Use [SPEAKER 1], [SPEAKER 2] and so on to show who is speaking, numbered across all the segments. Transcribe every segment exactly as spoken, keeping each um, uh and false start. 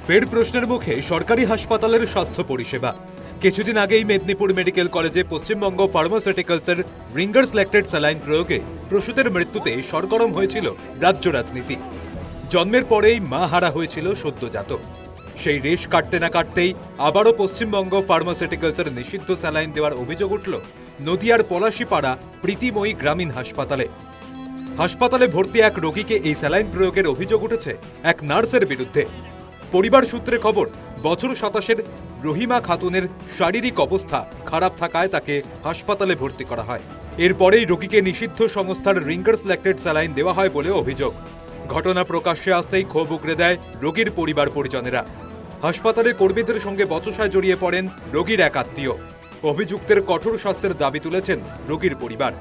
[SPEAKER 1] ফের প্রশ্নের মুখে সরকারি হাসপাতালের স্বাস্থ্য পরিষেবা। কিছুদিন আগেই মেদিনীপুর মেডিকেল কলেজে পশ্চিমবঙ্গ ফার্মাসিউটিক্যালসের রিঙ্গার্স ল্যাক্টেট স্যালাইন প্রয়োগে প্রসূতের মৃত্যুতে সরগরম হয়েছিল রাজ্য রাজনীতি। জন্মের পরেই মা হারা হয়েছিল সদ্যজাত। সেই রেশ কাটতে না কাটতেই আবারও পশ্চিমবঙ্গ ফার্মাসিউটিক্যালসের নিষিদ্ধ স্যালাইন দেওয়ার অভিযোগ উঠল নদিয়ার পলাশীপাড়া প্রীতিময়ী গ্রামীণ হাসপাতালে। হাসপাতালে ভর্তি এক রোগীকে এই স্যালাইন প্রয়োগের অভিযোগ উঠেছে এক নার্সের বিরুদ্ধে। পরিবার সূত্রে খবর, বছর সাতাশের রহিমা খাতুনের শারীরিক অবস্থা খারাপ থাকায় তাকে হাসপাতালে ভর্তি করা হয়। এরপরেই রোগীকে নিষিদ্ধ সংস্থার রিঙ্গার্স ল্যাক্টেট স্যালাইন দেওয়া হয় বলে অভিযোগ। ঘটনা প্রকাশ্যে আসতেই ক্ষোভ উগরে দেয় রোগীর পরিবার পরিজনেরা। হাসপাতালে কর্মীদের সঙ্গে বচসায় জড়িয়ে পড়েন রোগীর এক আত্মীয়। অভিযুক্তের কঠোর শাস্তির দাবি তুলেছেন রোগীর পরিবার।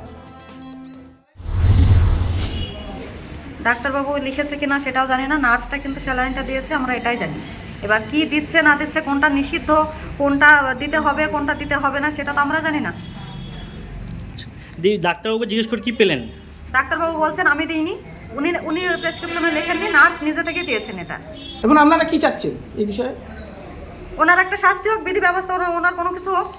[SPEAKER 2] ডাক্তারবাবু লিখেছে কিনা সেটাও জানি না, নার্সটা কিন্তু স্যালাইনটা দিয়েছে, আমরা এটাই জানি। এবার কি দিচ্ছে না দিচ্ছে, কোনটা নিষিদ্ধ, কোনটা দিতে হবে, কোনটা দিতে হবে না, সেটা তো আমরা জানি না।
[SPEAKER 3] ডাক্তারবাবু জিজ্ঞেস করে কি পেলেন?
[SPEAKER 2] ডাক্তারবাবু বলছেন আমি দিইনি, উনি উনি প্রেসক্রিপশনে লেখেননি, নার্স নিজে থেকে দিয়েছেন এটা।
[SPEAKER 4] এখন আপনারা কি চাচ্ছেন এই বিষয়ে?
[SPEAKER 2] ওনার একটা শাস্তি হোক, বিধি ব্যবস্থা, ওনার কোনো কিছু হোক।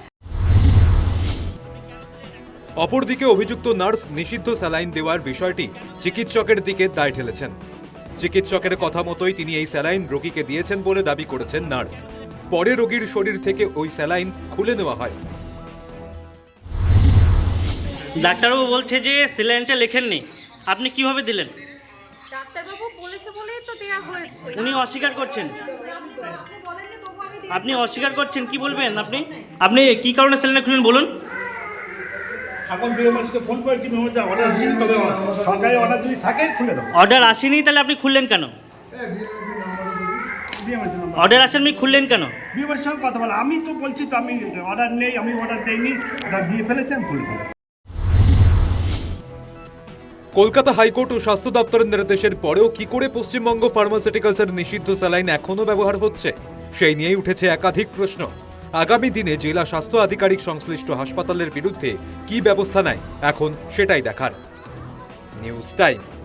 [SPEAKER 1] অপরদিকে অভিযুক্ত নার্স নিষিদ্ধ স্যালাইন দেওয়ার বিষয়টি চিকিৎসকের দিকে দায় ঠেলেছেন। চিকিৎসকের কথা মতোই তিনি এই স্যালাইন রোগীকে দিয়েছেন বলে দাবি করেছেন নার্স। পরে রোগীর শরীর থেকে ওই স্যালাইন খুলে নেওয়া হয়।
[SPEAKER 3] ডাক্তারবাবু বলছে যে স্যালাইনটা লেখেননি, আপনি কিভাবে দিলেন?
[SPEAKER 5] ডাক্তারবাবু বলেছে বলেই তো দেয়া হয়েছে।
[SPEAKER 3] উনি অস্বীকার করছেন, আপনি অস্বীকার করছেন, কি বলবেন আপনি? আপনি কি কারণে স্যালাইন খুললেন বলুন?
[SPEAKER 6] এখন বিএমএসকে ফোন করেছি, বিএমএস অর্ডার দিন, তবে সরকারি অর্ডার যদি থাকে খুলে দেবো।
[SPEAKER 3] অর্ডার আসেনি, তাহলে আপনি খুললেন কেন? অর্ডার আসেননি, খুললেন কেন?
[SPEAKER 6] বিএমএস সঙ্গে কথা বলা, আমি তো বলছি তো আমি অর্ডার নেই, আমি অর্ডার দেইনি, অর্ডার দিয়ে ফেলেছি, আমি খুলবো।
[SPEAKER 1] কলকাতা হাইকোর্ট ও স্বাস্থ্য দপ্তরের নির্দেশের পরেও কি করে পশ্চিমবঙ্গ ফার্মাসিউটিক্যালসের নিষিদ্ধ স্যালাইন এখনও ব্যবহার হচ্ছে, সেই নিয়েই উঠেছে একাধিক প্রশ্ন। আগামী দিনে জেলা স্বাস্থ্য আধিকারিক সংশ্লিষ্ট হাসপাতালের বিরুদ্ধে কি ব্যবস্থা নেয়, এখন সেটাই দেখার। News time.